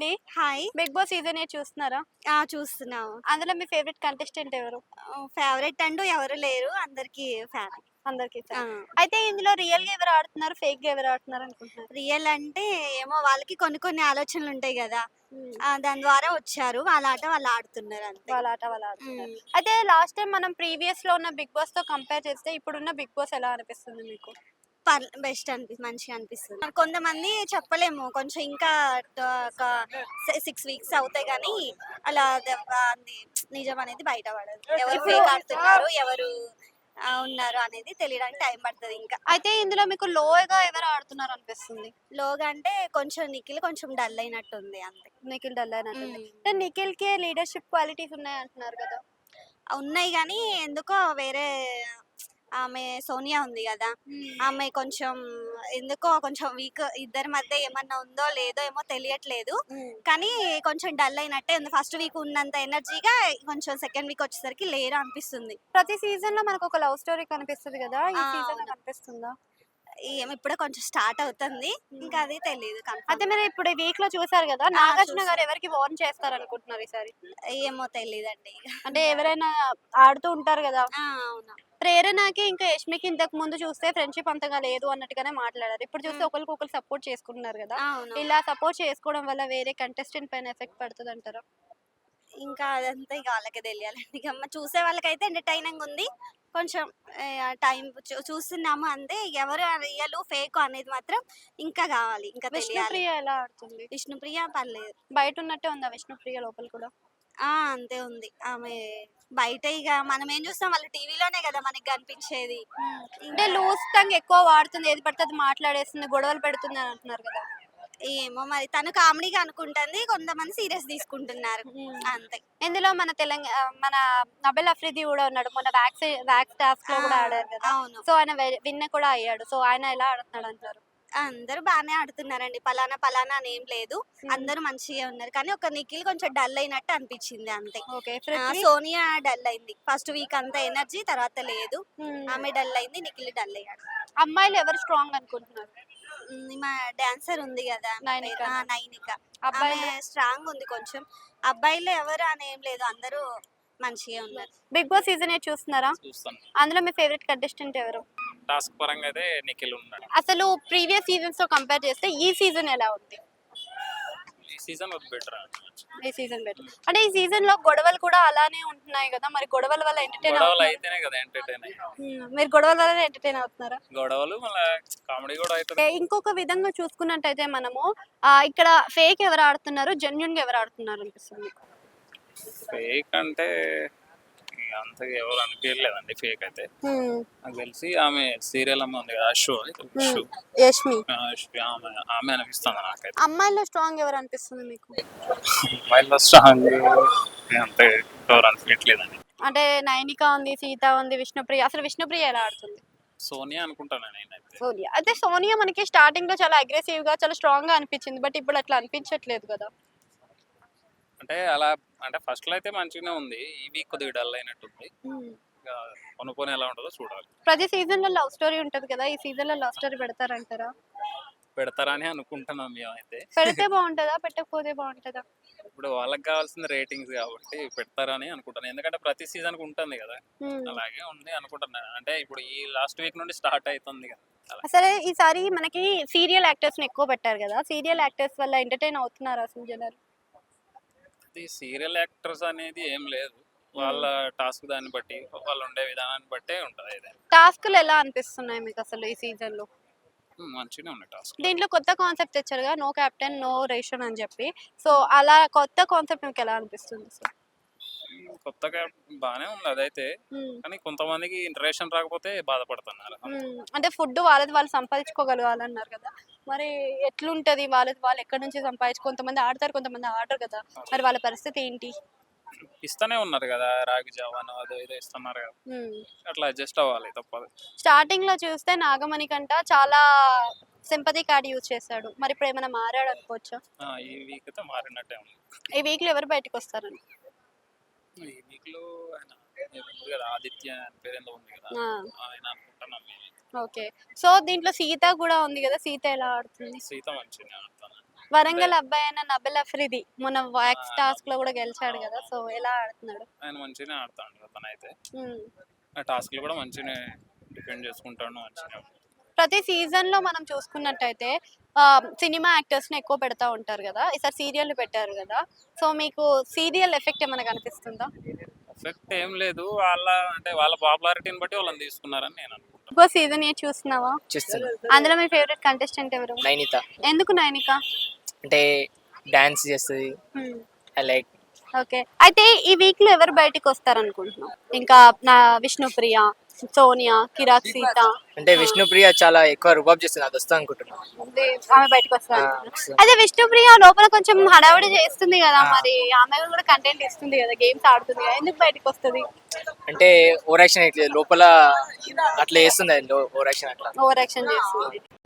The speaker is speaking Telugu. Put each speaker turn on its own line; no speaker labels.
హాయ్.
బిగ్ బాస్ సీజన్ 8 చూస్తున్నారా?
చూస్తున్నాము.
అందులో మీ ఫేవరెట్ కంటెస్టెంట్ ఎవరు?
ఫేవరెట్ అంటూ ఎవరు లేరు. అందరికీ ఫ్యాన్.
అందరికి
ఆ!
ఫ్యాన్. అయితే ఇందులో రియల్‌గా ఎవరు ఆడుతున్నారు? ఫేక్‌గా ఎవరు ఆడుతున్నారు అనుకుంటున్నారు?
రియల్ అంటే ఏమో వాళ్ళకి కొన్ని కొన్ని ఆలోచనలుంటాయి గదా!
హ్మ్.
దాని ద్వారా వచ్చారు. వాళ్ళ ఆట వాళ్ళు ఆడుతున్నారు అంతే.
వాళ్ళ ఆట వాళ్ళు ఆడుతున్నారు.
హ్మ్.
అయితే లాస్ట్ టైమ్ మనం ప్రీవియస్‌లో ఉన్న బిగ్ బాస్‌తో కంపేర్ చేస్తే ఇప్పుడున్న బిగ్ బాస్ ఎలా అనిపిస్తుంది మీకు?
బెస్ట్ మంచిగా అనిపిస్తుంది. కొంతమంది చెప్పలేము. కొంచెం ఇంకా ఒక 6 వీక్స్ అవుతాయి గానీ అలా అది నిజం అనేది బయట పడదు. ఎవరు
ఇప్పుడు
ఫేక్ ఆడుతున్నారు, ఎవరు ఉన్నారు అనేది తెలియడానికి టైం పడతది ఇంకా.
అయితే ఇందులో మీకు లోగా ఎవరు ఆడుతున్నారు అనిపిస్తుంది?
లోగా అంటే కొంచెం నిఖిల్ కొంచెం డల్ అయినట్టుంది అంతే.
నిఖిల్ డల్ అయినట్టుంది.
హ్మ్.
అంటే నిఖిల్‌కి లీడర్‌షిప్ క్వాలిటీస్ ఉన్నాయి అంటున్నారు కదా!
ఉన్నాయి గానీ ఎందుకో వేరే ఆమె సోనియా ఉంది గదా! ఆమె కొంచెం ఎందుకో కొంచెం వీక్. ఇద్దరి మధ్య ఏమన్నా ఉందో లేదో ఏమో తెలియట్లేదు.
హ్మ్.
కానీ కొంచెం డల్ అయినట్టే ఉంది. ఫస్ట్ వీక్ ఉన్నంత ఎనర్జీగా కొంచెం సెకండ్ వీక్ వచ్చేసరికి లేరు అనిపిస్తుంది.
ప్రతి సీజన్‌లో మనకొక లవ్ స్టోరీ కనిపిస్తది గదా! ఈ సీజన్‌లో
అవును.
కనిపిస్తుందా?
ఇప్పుడే కొంచెం స్టార్ట్ అవుతుంది. ఇంకా అది తెలీదు
అయితే
కన్ఫర్మ్.
మీరు ఇప్పుడు ఈ వీక్‌లో చూసారు గదా! నాగార్జున
చూసా.
గారు ఎవరికి వార్న్ చేస్తారనుకుంటున్నారు ఈసారి?
ఏమో తెలీదండి.
అంటే ఎవరైనా ఆడుతూ ఉంటారు గదా!
అవును.
ప్రేరణకి ఇంకా యష్మికి ఇంతకు ముందు చూస్తే ఫ్రెండ్‌షిప్ అంతగా లేదు అన్నట్టుగానే మాట్లాడారు. ఇప్పుడు చూస్తే
హ్మ్.
ఒకళ్ళకొకళ్ళు సపోర్ట్ చేసుకుంటున్నారు గదా!
అవును.
ఇలా సపోర్ట్ చేసుకోవడం వల్ల వేరే కంటెస్టెంట్ పైన ఎఫెక్ట్ పడతదంటారా?
ఇంకా అదంతా ఇక వాళ్ళకే తెలియాలండి. ఇక చూసే వాళ్ళకైతే ఎంటర్‌టైనింగ్ ఉంది. కొంచెం టైం చూస్తున్నాము అంతే. ఎవరు రియలు, ఫేకు అనేది మాత్రం ఇంకా గావాలి. ఇంకా తెలియాలి.
విష్ణుప్రియ ఎలా ఆడుతుంది?
విష్ణుప్రియ పర్లేదు.
బయట ఉన్నట్టే ఉందా విష్ణుప్రియ లోపల కూడా?
అంతే ఉంది. ఆమె బయట ఇగ మనమేం చూస్తాం వాళ్ళు టీవీలోనే గదా మనకి గనిపించేది.
అంటే
ఇంకా
లూజ్ టంగ్ ఎక్కువ వాడుతుంది. ఏది పడితే అది మాట్లాడేస్తుంది. గొడవలు పెడుతుంది అని అంటున్నారు కదా!
ఏమో మరి తను కామెడీగా అనుకుంటుంది. కొంతమంది సీరియస్ తీసుకుంటున్నారు. అంతే.
ఇందులో మన నబీల్ అఫ్రిది కూడా ఉన్నాడు. మొన్న వ్యాక్స్ టాస్క్‌లో
ఆ!
కూడా ఆడారు కదా!
అవును.
సో, ఆయన విన్ కూడా అయ్యాడు. సో, ఆయన ఎలా ఆడుతున్నాడు అంటారు?
అందరూ బానే ఆడుతున్నారండి. పలానా, పలానా అని ఏం లేదు. అందరూ మంచిగే ఉన్నారు. కానీ ఒక నిఖిల్ కొంచెం డల్ అయినట్టు అనిపిచ్చింది అంతే.
ఓకే. పృథ్వీ?
సోనియా డల్ అయింది. ఫస్ట్ వీక్ అంతా ఎనర్జీ తర్వాత లేదు.
హ్మ్.
ఆమె డల్ అయింది. నిఖిల్ డల్ అయ్యాడు.
అమ్మాయిలు ఎవరు స్ట్రాంగ్ అనుకుంటున్నారు?
మా డాన్సర్ ఉంది గదా! ఆమె పేరు
నైనికానా?
నైనిక. ఆమె
అబ్బాయిలు?
స్ట్రాంగ్ ఉంది కొంచెం. అబ్బాయిలు ఎవరు అని ఏం లేదు. అందరూ మంచిగే ఉన్నారు.
బిగ్ బాస్ సీజన్ 8 చూస్తున్నారా?
చూస్తాను.
అందులో మీ ఫేవరెట్ కంటెస్టెంట్ ఎవరు?
టాస్క్ పరంగా అయితే నిఖిల్ ఉన్నాడు.
అసలు ప్రీవియస్ సీజన్స్‌తో కంపేర్ చేస్తే ఈ సీజన్ ఎలా ఉంది?
ఈ సీజన్ బెటర్.
ఈ సీజన్ బెటర్. అంటే ఈ సీజన్‌లో గొడవలు కూడా అలానే ఉంటున్నాయి గదా! మరి గొడవల వల్ల ఎంటర్‌టైన్
గొడవలు
అవుతున్నారా?
అయితేనే కదా ఎంటర్టైన్ అయ్యేది.
మీరు గొడవల వల్లనే ఎంటర్‌టైన్ అవుతున్నారా?
గొడవలు మళ్ళా కామెడీ కూడా అవుతుంది.
ఇంకొక విధంగా చూసుకున్నట్టయితే మనము ఇక్కడ ఫేక్ ఎవరు ఆడుతున్నారు? జెన్యూన్‌గా ఎవరు ఆడుతున్నారు అనిపిస్తుంది మీకు?
ఫేక్ అంటే అంత ఎవరు అనిపించలేదండి ఫేక్ అయితే. నాకు తెలిసి ఆమె సీరియల్ అమ్మ ఉంది కదా అశ్వ
యష్మి.
ఆమె ఆమె అనిపిస్తుంది నాకైతే.
అమ్మాయిల్లో స్ట్రాంగ్ ఎవరు అనిపిస్తుంది మీకు?
అమ్మాయిలో స్ట్రాంగ్ అంత ఎవరు అనిపించలేదండి.
అంటే నైనిక ఉంది, సీత ఉంది, విష్ణుప్రియ. అసలు విష్ణుప్రియ ఎలా ఆడుతుంది?
సోనియా అనుకుంటాను నేనైతే.
సోనియా. అయితే సోనియా మనకి స్టార్టింగ్‌లో చాలా అగ్రెసివ్‌గా, చాలా స్ట్రాంగ్‌గా అనిపించింది. బట్ ఇప్పుడు అట్లా అనిపించట్లేదు కదా!
అంటే అలా అంటే ఫస్ట్లో అయితే మంచిగానే ఉంది. ఈ వీక్ కొద్దిగా డల్ అయినట్టుంది. ఇక కొనుక్కొని ఎలా ఉంటుందో చూడాలి.
ప్రతి సీజన్‌లో లవ్ స్టోరీ ఉంటది కదా! ఈ సీజన్‌లో లవ్ స్టోరీ పెడతారంటారా?
పెడతారని అనుకుంటున్నాం మేమైతే.
పెడితే బావుంటదా? పెట్టకపోతే బావుంటదా?
ఇప్పుడు వాళ్ళకి కావాల్సిన రేటింగ్స్ కాబట్టి పెడతారని అనుకుంటాను. ఎందుకంటే ప్రతి సీజన్‌కి ఉంటుంది కదా!
హ్మ్.
అలాగే ఉంది అనుకుంటున్నాను. అంటే ఇప్పుడు ఈ లాస్ట్ వీక్ నుండి స్టార్ట్ అయితుంది కదా! అలా.
అసలే ఈసారి మనకి సీరియల్ యాక్టర్స్‌ని ఎక్కువ పెట్టారు కదా! సీరియల్ యాక్టర్స్ వల్ల ఎంటర్‌టైన్ అవుతున్నారా అసలు జనాలు?
ఈ సీరియల్ యాక్టర్స్ అనేది ఏం లేదు. వాళ్ళ టాస్క్ దాన్ని బట్టి, వాళ్ళు ఉండే విధానాన్ని బట్టే ఉంటది ఏదైనా.
టాస్క్‌లు ఎలా అనిపిస్తున్నాయి మీకసలు ఈ సీజన్‌లో?
మంచిగానే ఉన్నాయి టాస్క్‌లు.
దీంట్లో కొత్త కాన్సెప్ట్ తెచ్చారుగా నో కెప్టెన్, నో రేషన్ అని చెప్పి. సో, అలా కొత్త కాన్సెప్ట్ మీకెలా అనిపిస్తుంది అసలు?
కొత్తగా బానే ఉంది అదైతే.
హ్మ్.
కానీ కొంతమందికి రేషన్ రాకపోతే బాధపడుతున్నారు.
అంటే ఫుడ్ వాళ్ళది వాళ్ళు సంపాదించుకోగలగాలన్నారు కదా! మరి ఎట్లుంటది? వాళ్ళది వాళ్ళు ఎక్కడి నుంచి కొంతమంది ఆడతారు, కొంతమంది ఆడరు కదా! మరి వాళ్ళ పరిస్థితి ఏంటి?
ఇస్తూనే ఉన్నారు కదా! రాగి జావాను అదో ఇదో ఇస్తున్నారు కదా!
హ్మ్.
అట్లా అడ్జస్ట్ అవ్వాలి తప్పదు.
స్టార్టింగ్‌లో చూస్తే నాగమణికంట చాలా సింపతి కార్డ్ యూజ్ చేశాడు. మరి ఇప్పుడేమైనా మారాడనుకోవచ్చా?
ఈ వీక్ అయితే మారినట్టే ఉంది.
ఈ వీక్‌లో ఎవరు బయటికొస్తారని?
ఈ వీక్‌లో ఆయన ఏదో ఉంది కదా! ఆదిత్య అని పేరేందో ఉంది కదా!
ఆ!
ఆయన అనుకుంటున్నాం మేము.
ఓకే. సో, దీంట్లో సీత గూడా ఉంది గదా! సీత ఎలా ఆడుతుంది?
సీత మంచిగానే ఆడుతుంది.
వరంగల్ అబ్బాయి అయిన నబిల్ అఫ్రిది మొన్న వాక్స్ టాస్క్ లో కూడా గెలిచాడు కదా, సో ఎలా ఆడుతున్నాడు?
ఆయన మంచిగానే ఆడుతాడు అతనైతే.
ఉమ్.
ఆ టాస్క్లు కూడా మంచిగానే డిఫెండ్ చేసుకుంటాడు మంచిగానే.
ప్రతి సీజన్ లో మనం చూసుకున్నట్టయితే సినిమా యాక్టర్స్ ని ఎక్కువ పెడతా ఉంటారు కదా, ఈసారి సీరియల్ పెట్టారు కదా, సో మీకు సీరియల్ ఎఫెక్ట్ ఏమైనా కనిపిస్తుందా?
ఎఫెక్ట్ ఏం లేదు, వాళ్ళ పాపులారిటీని బట్టి వాళ్ళని తీసుకున్నారని నేను అనుకుంటాను.
ఇంకో సీజన్ ఏ చూస్తున్నావా?
చూస్తున్నా.
అందులో మీ ఫేవరెట్ కంటెస్టెంట్ ఎవరు?
నైనిత
ఎందుకు నైనిక?
అంటే డాన్స్ చేస్తుంది, ఐ లైక్.
ఓకే, అయితే ఈ వీక్ లో ఎవరు బయటికి వస్తారు అనుకుంటున్నాం? ఇంకా నా విష్ణుప్రియ, సోనియా, కిరాక్ సీత.
అంటే విష్ణుప్రియ చాలా ఎక్కువ రుబాబ్ చేస్తుంది, అది వస్తా అనుకుంటున్నాను.
ఆమె బయటకు వస్తారు.
వస్తుంది.
అదే విష్ణుప్రియ లోపల కొంచెం హడావుడి చేస్తుంది కదా, మరి ఆమె కూడా కంటెంట్ ఇస్తుంది కదా, గేమ్స్ ఆడుతుంది కదా, ఎందుకు బయటకు వస్తుంది?
అంటే ఓవర్ యాక్షన్ ఇట్లేదు లోపల, అట్లా చేస్తుంది అది ఓవర్ యాక్షన్ అట్లా.
ఓవర్ యాక్షన్ చేస్తుంది.